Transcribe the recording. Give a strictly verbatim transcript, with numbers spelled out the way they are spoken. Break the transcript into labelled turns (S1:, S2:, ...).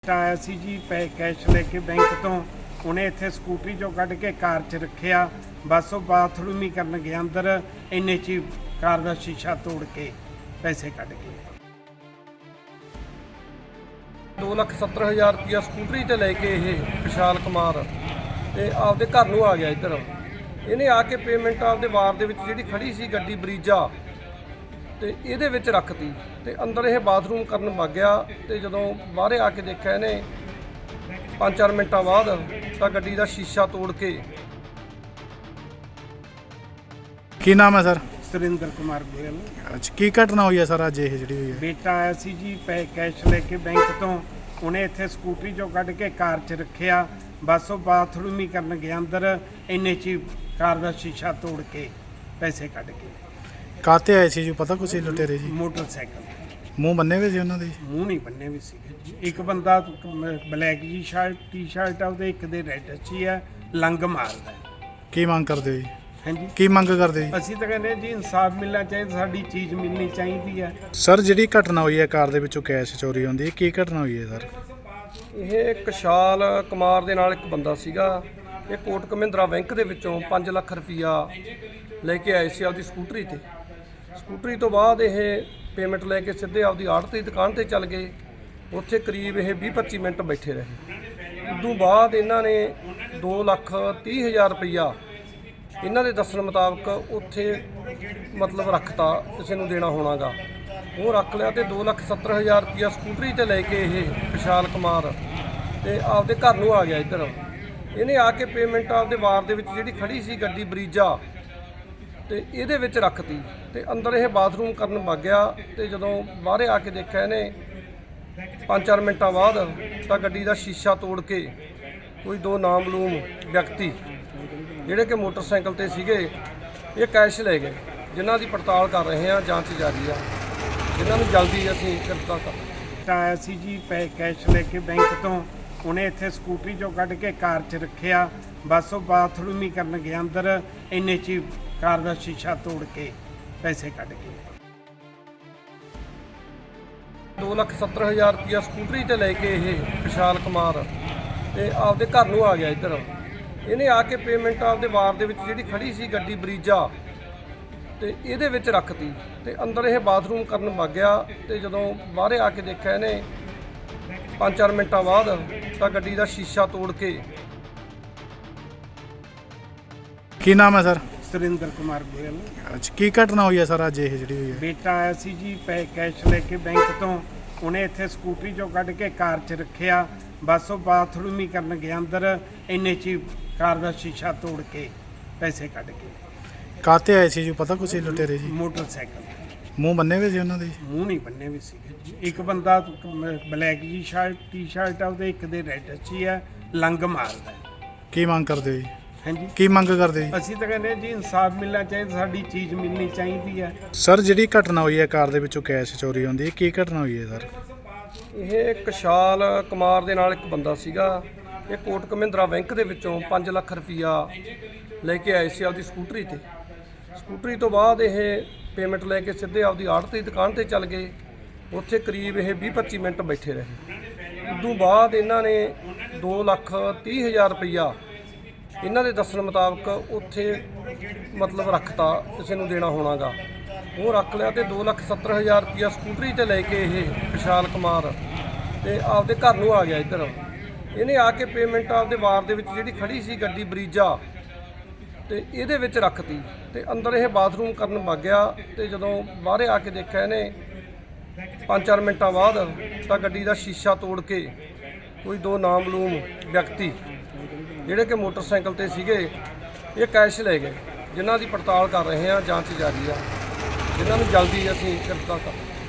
S1: ਆਇਆ ਸੀ ਜੀ ਪੈ ਕੈਸ਼ ਲੈ ਕੇ ਬੈਂਕ ਤੋਂ ਉਹਨੇ ਇੱਥੇ ਸਕੂਟਰੀ ਚੋਂ ਕੱਢ ਕੇ ਕਾਰ 'ਚ ਰੱਖਿਆ। ਬਸ ਉਹ ਬਾਥਰੂਮ ਹੀ ਕਰਨ ਗਿਆ ਅੰਦਰ, ਇੰਨੇ 'ਚ ਹੀ ਕਾਰ ਦਾ ਸ਼ੀਸ਼ਾ ਤੋੜ ਕੇ ਪੈਸੇ ਕੱਢ ਕੇ
S2: ਦੋ ਲੱਖ ਸੱਤਰ ਹਜ਼ਾਰ ਰੁਪਇਆ ਸਕੂਟਰੀ ਤੇ ਲੈ ਕੇ ਇਹ ਵਿਸ਼ਾਲ ਕੁਮਾਰ ਤੇ ਆਪਦੇ ਘਰ ਨੂੰ ਆ ਗਿਆ। ਇੱਧਰ ਇਹਨੇ ਆ ਕੇ ਪੇਮੈਂਟ ਆਪਦੇ ਵਾਰ ਦੇ ਵਿੱਚ ਜਿਹੜੀ ਖੜੀ ਸੀ ਗੱਡੀ ਬਰੀਜਾ ਤੇ ਇਹਦੇ ਵਿੱਚ ਰੱਖਤੀ ਤੇ ਅੰਦਰ ਇਹ ਬਾਥਰੂਮ ਕਰਨ ਵਗ ਗਿਆ। ਤੇ ਜਦੋਂ ਬਾਹਰੇ ਆ ਕੇ ਦੇਖਿਆ ਇਹਨੇ ਪੰਜ ਚਾਰ ਮਿੰਟਾਂ ਬਾਅਦ ਤਾਂ ਗੱਡੀ ਦਾ ਸ਼ੀਸ਼ਾ ਤੋੜ ਕੇ।
S3: ਕੀ ਨਾਮ ਹੈ ਸਰ?
S1: ਸੁਰਿੰਦਰ ਕੁਮਾਰ ਗੋਇਲ।
S3: ਅੱਛਾ, ਕੀ ਘਟਨਾ ਹੋਈ ਹੈ ਸਰ ਅੱਜ ਇਹ ਜਿਹੜੀ ਹੋਈ ਹੈ?
S1: ਬੇਟਾ ਆਇਆ ਸੀ ਜੀ ਪੈ ਕੈਸ਼ ਲੈ ਕੇ ਬੈਂਕ ਤੋਂ, ਉਹਨੇ ਇੱਥੇ ਸਕੂਟਰੀ ਚੋਂ ਕੱਢ ਕੇ ਕਾਰ 'ਚ ਰੱਖਿਆ। ਬਸ ਉਹ ਬਾਥਰੂਮ ਹੀ ਕਰਨ ਗਿਆ ਅੰਦਰ, ਇੰਨੇ 'ਚ ਹੀ ਕਾਰ ਦਾ ਸ਼ੀਸ਼ਾ ਤੋੜ ਕੇ ਪੈਸੇ ਕੱਢ ਕੇ
S3: ਕਾਤੇ ਆਏ ਸੀ ਜੀ, ਪਤਾ ਕੁਛ ਲੁਟੇਰੇ ਜੀ?
S1: ਮੋਟਰਸਾਈਕਲ ਤੇ।
S3: ਮੂੰਹ ਬੰਨੇ ਹੋਏ ਸੀ ਉਹਨਾਂ ਦੇ?
S1: ਮੂੰਹ ਨਹੀਂ ਬੰਨੇ ਵੀ ਸੀਗੇ ਜੀ। ਇੱਕ ਬੰਦਾ ਬਲੈਕ ਜੀ ਸ਼ਰਟ ਟੀ ਸ਼ਰਟ ਆ ਉਹਦੇ, ਇੱਕ ਦੇ ਰੈੱਡ ਅੱਛੀ ਹੈ, ਲੰਗ ਮਾਰਦਾ।
S3: ਕੀ ਮੰਗ ਕਰਦੇ ਹੋ ਜੀ?
S1: ਹਾਂਜੀ,
S3: ਕੀ ਮੰਗ ਕਰਦੇ ਜੀ?
S1: ਅਸੀਂ ਤਾਂ ਕਹਿੰਦੇ ਜੀ ਇਨਸਾਫ ਮਿਲਣਾ ਚਾਹੀਦਾ, ਸਾਡੀ ਚੀਜ਼ ਮਿਲਣੀ ਚਾਹੀਦੀ ਹੈ।
S3: ਸਰ ਜਿਹੜੀ ਘਟਨਾ ਹੋਈ ਹੈ ਕਾਰ ਦੇ ਵਿੱਚੋਂ ਕੈਸ਼ ਚੋਰੀ ਹੁੰਦੀ ਹੈ, ਕੀ ਘਟਨਾ ਹੋਈ ਹੈ ਸਰ?
S2: ਇਹ ਕਸ਼ਾਲ ਕੁਮਾਰ ਦੇ ਨਾਲ ਇੱਕ ਬੰਦਾ ਸੀਗਾ। ਇਹ ਕੋਟਕ ਮਹਿੰਦਰਾ ਬੈਂਕ ਦੇ ਵਿੱਚੋਂ ਪੰਜ ਲੱਖ ਰੁਪਈਆ ਲੈ ਕੇ ਆਏ ਸੀ ਆਪਦੀ ਸਕੂਟਰੀ ਤੇ। ਸਕੂਟਰੀ ਤੋਂ ਬਾਅਦ ਇਹ ਪੇਮੈਂਟ ਲੈ ਕੇ ਸਿੱਧੇ ਆਪਦੀ ਆੜਤ ਦੀ ਦੁਕਾਨ ਤੇ ਚੱਲ ਗਏ। ਉੱਥੇ ਕਰੀਬ ਇਹ ਵੀਹ ਪੱਚੀ ਮਿੰਟ ਬੈਠੇ ਰਹੇ। ਉਦੋਂ ਬਾਅਦ ਇਹਨਾਂ ਨੇ ਦੋ ਲੱਖ ਤੀਹ ਹਜ਼ਾਰ ਰੁਪਈਆ ਇਹਨਾਂ ਦੇ ਦੱਸਣ ਮੁਤਾਬਕ ਉੱਥੇ ਮਤਲਬ ਰੱਖਤਾ, ਕਿਸੇ ਨੂੰ ਦੇਣਾ ਹੋਣਾਗਾ, ਉਹ ਰੱਖ ਲਿਆ। ਤੇ ਦੋ ਲੱਖ ਸੱਤਰ ਹਜ਼ਾਰ ਰੁਪਈਆ ਸਕੂਟਰੀ ਤੇ ਲੈ ਕੇ ਇਹ ਵਿਸ਼ਾਲ ਕੁਮਾਰ ਤੇ ਆਪਦੇ ਘਰ ਨੂੰ ਆ ਗਿਆ। ਇੱਧਰ ਇਹਨੇ ਆ ਕੇ ਪੇਮੈਂਟ ਆਪਦੇ ਵਾਰ ਦੇ ਵਿੱਚ ਜਿਹੜੀ ਖੜੀ ਸੀ ਗੱਡੀ ਬਰੀਜਾ ਤੇ ਇਹਦੇ ਵਿੱਚ ਰੱਖਤੀ ਤੇ ਅੰਦਰ ਇਹ ਬਾਥਰੂਮ ਕਰਨ ਵਗ ਗਿਆ। ਤੇ ਜਦੋਂ ਬਾਹਰੇ ਆ ਕੇ ਦੇਖਿਆ ਇਹਨੇ ਪੰਜ ਚਾਰ ਮਿੰਟਾਂ ਬਾਅਦ ਤਾਂ ਗੱਡੀ ਦਾ ਸ਼ੀਸ਼ਾ ਤੋੜ ਕੇ ਕੋਈ ਦੋ ਨਾਮਲੂਮ ਵਿਅਕਤੀ ਜਿਹੜੇ ਕਿ ਮੋਟਰਸਾਈਕਲ ਤੇ ਸੀਗੇ ਇਹ ਕੈਸ਼ ਲੈ ਗਏ, ਜਿਨ੍ਹਾਂ ਦੀ ਪੜਤਾਲ ਕਰ ਰਹੇ ਹਾਂ, ਜਾਂਚ ਜਾਰੀ ਆ, ਜਿਨ੍ਹਾਂ ਨੂੰ ਜਲਦੀ ਅਸੀਂ ਗ੍ਰਿਫਤਾਰ ਕਰ।
S1: ਆਇਆ ਸੀ ਜੀ ਪੈ ਕੈਸ਼ ਲੈ ਕੇ ਬੈਂਕ ਤੋਂ, ਉਹਨੇ ਇੱਥੇ ਸਕੂਟਰੀ ਚੋਂ ਕੱਢ ਕੇ ਕਾਰ 'ਚ ਰੱਖਿਆ। ਬਸ ਉਹ ਬਾਥਰੂਮ ਹੀ ਕਰਨ ਗਿਆ ਅੰਦਰ, ਇੰਨੇ 'ਚ ਹੀ ਕਾਰ ਦਾ ਸ਼ੀਸ਼ਾ ਤੋੜ ਕੇ ਪੈਸੇ ਕੱਢ ਕੇ
S2: ਦੋ ਲੱਖ ਸੱਤਰ ਹਜ਼ਾਰ ਰੁਪਇਆ ਸਕੂਟਰੀ ਤੇ ਲੈ ਕੇ ਇਹ ਵਿਸ਼ਾਲ ਕੁਮਾਰ ਤੇ ਆਪਦੇ ਘਰ ਨੂੰ ਆ ਗਿਆ। ਇੱਧਰ ਇਹਨੇ ਆ ਕੇ ਪੇਮੈਂਟ ਆਪਦੇ ਵਾਰ ਦੇ ਵਿੱਚ ਜਿਹੜੀ ਖੜੀ ਸੀ ਗੱਡੀ ਬਰੀਜਾ ਤੇ ਇਹਦੇ ਵਿੱਚ ਰੱਖਤੀ ਤੇ ਅੰਦਰ ਇਹ ਬਾਥਰੂਮ ਕਰਨ ਵਗ ਗਿਆ। ਤੇ ਜਦੋਂ ਬਾਹਰੇ ਆ ਕੇ ਦੇਖਿਆ ਇਹਨੇ ਪੰਜ ਚਾਰ ਮਿੰਟਾਂ ਬਾਅਦ ਤਾਂ ਗੱਡੀ ਦਾ ਸ਼ੀਸ਼ਾ ਤੋੜ ਕੇ।
S3: ਕੀ ਨਾਮ ਹੈ ਸਰ?
S1: ਸੁਰਿੰਦਰ ਕੁਮਾਰ ਗੋਇਲ।
S3: ਅੱਛਾ, ਕੀ ਘਟਨਾ ਹੋਈ ਹੈ ਸਰ ਅੱਜ ਇਹ ਜਿਹੜੀ ਹੋਈ ਹੈ?
S1: ਬੇਟਾ ਆਇਆ ਸੀ ਜੀ ਪੈ ਕੈਸ਼ ਲੈ ਕੇ ਬੈਂਕ ਤੋਂ, ਉਹਨੇ ਇੱਥੇ ਸਕੂਟਰੀ ਚੋਂ ਕੱਢ ਕੇ ਕਾਰ 'ਚ ਰੱਖਿਆ। ਬਸ ਉਹ ਬਾਥਰੂਮ ਹੀ ਕਰਨ ਗਿਆ ਅੰਦਰ, ਇੰਨੇ 'ਚ ਹੀ ਕਾਰ ਦਾ ਸ਼ੀਸ਼ਾ ਤੋੜ ਕੇ ਪੈਸੇ ਕੱਢ ਕੇ
S3: ਕਾਤੇ ਆਏ ਸੀ ਜੀ, ਪਤਾ ਕੁਛ ਲੁਟੇਰੇ ਜੀ?
S1: ਮੋਟਰਸਾਈਕਲ ਤੇ।
S3: ਮੂੰਹ ਬੰਨੇ ਹੋਏ ਸੀ ਉਹਨਾਂ ਦੇ?
S1: ਮੂੰਹ ਨਹੀਂ ਬੰਨੇ ਵੀ ਸੀਗੇ ਜੀ। ਇੱਕ ਬੰਦਾ ਬਲੈਕ ਜੀ ਸ਼ਰਟ ਟੀ ਸ਼ਰਟ ਆ ਉਹਦੇ, ਇੱਕ ਦੇ ਰੈੱਡ ਅੱਛੀ ਹੈ, ਲੰਗ ਮਾਰਦਾ।
S3: ਕੀ ਮੰਗ ਕਰਦੇ ਹੋ ਜੀ?
S1: ਹਾਂਜੀ,
S3: ਕੀ ਮੰਗ ਕਰਦੇ ਜੀ?
S1: ਅਸੀਂ ਤਾਂ ਕਹਿੰਦੇ ਜੀ ਇਨਸਾਫ ਮਿਲਣਾ ਚਾਹੀਦਾ, ਸਾਡੀ ਚੀਜ਼ ਮਿਲਣੀ ਚਾਹੀਦੀ ਹੈ।
S3: ਸਰ ਜਿਹੜੀ ਘਟਨਾ ਹੋਈ ਹੈ ਕਾਰ ਦੇ ਵਿੱਚੋਂ ਕੈਸ਼ ਚੋਰੀ ਹੁੰਦੀ ਹੈ, ਕੀ ਘਟਨਾ ਹੋਈ ਹੈ ਸਰ?
S2: ਇਹ ਕਸ਼ਾਲ ਕੁਮਾਰ ਦੇ ਨਾਲ ਇੱਕ ਬੰਦਾ ਸੀਗਾ। ਇਹ ਕੋਟਕ ਮਹਿੰਦਰਾ ਬੈਂਕ ਦੇ ਵਿੱਚੋਂ ਪੰਜ ਲੱਖ ਰੁਪਈਆ ਲੈ ਕੇ ਆਏ ਸੀ ਆਪਦੀ ਸਕੂਟਰੀ ਤੇ। ਸਕੂਟਰੀ ਤੋਂ ਬਾਅਦ ਇਹ ਪੇਮੈਂਟ ਲੈ ਕੇ ਸਿੱਧੇ ਆਪਦੀ ਆੜਤ ਦੀ ਦੁਕਾਨ ਤੇ ਚੱਲ ਗਏ। ਉੱਥੇ ਕਰੀਬ ਇਹ ਵੀਹ ਪੱਚੀ ਮਿੰਟ ਬੈਠੇ ਰਹੇ। ਉਦੋਂ ਬਾਅਦ ਇਹਨਾਂ ਨੇ ਦੋ ਲੱਖ ਤੀਹ ਹਜ਼ਾਰ ਰੁਪਈਆ ਇਹਨਾਂ ਦੇ ਦੱਸਣ ਮੁਤਾਬਕ ਉੱਥੇ ਮਤਲਬ ਰੱਖਤਾ, ਕਿਸੇ ਨੂੰ ਦੇਣਾ ਹੋਣਾਗਾ, ਉਹ ਰੱਖ ਲਿਆ। ਤੇ ਦੋ ਲੱਖ ਸੱਤਰ ਹਜ਼ਾਰ ਰੁਪਈਆ ਸਕੂਟਰੀ ਤੇ ਲੈ ਕੇ ਇਹ ਵਿਸ਼ਾਲ ਕੁਮਾਰ ਤੇ ਆਪਦੇ ਘਰ ਨੂੰ ਆ ਗਿਆ। ਇੱਧਰ ਇਹਨੇ ਆ ਕੇ ਪੇਮੈਂਟ ਆਪਦੇ ਵਾਰ ਦੇ ਵਿੱਚ ਜਿਹੜੀ ਖੜੀ ਸੀ ਗੱਡੀ ਬਰੀਜਾ ਤੇ ਇਹਦੇ ਵਿੱਚ ਰੱਖਤੀ ਤੇ ਅੰਦਰ ਇਹ ਬਾਥਰੂਮ ਕਰਨ ਵਗ ਗਿਆ। ਤੇ ਜਦੋਂ ਬਾਹਰੇ ਆ ਕੇ ਦੇਖਿਆ ਇਹਨੇ ਪੰਜ ਚਾਰ ਮਿੰਟਾਂ ਬਾਅਦ ਤਾਂ ਗੱਡੀ ਦਾ ਸ਼ੀਸ਼ਾ ਤੋੜ ਕੇ ਕੋਈ ਦੋ ਨਾਮਲੂਮ ਵਿਅਕਤੀ ਜਿਹੜੇ ਕਿ ਮੋਟਰਸਾਈਕਲ ਤੇ ਸੀਗੇ ਇਹ ਕੈਸ਼ ਲੈ ਗਏ, ਜਿਨ੍ਹਾਂ ਦੀ ਪੜਤਾਲ ਕਰ ਰਹੇ ਹਾਂ, ਜਾਂਚ ਜਾਰੀ ਆ, ਜਿਨ੍ਹਾਂ ਨੂੰ ਜਲਦੀ ਅਸੀਂ ਗ੍ਰਿਫਤਾਰ ਕਰ।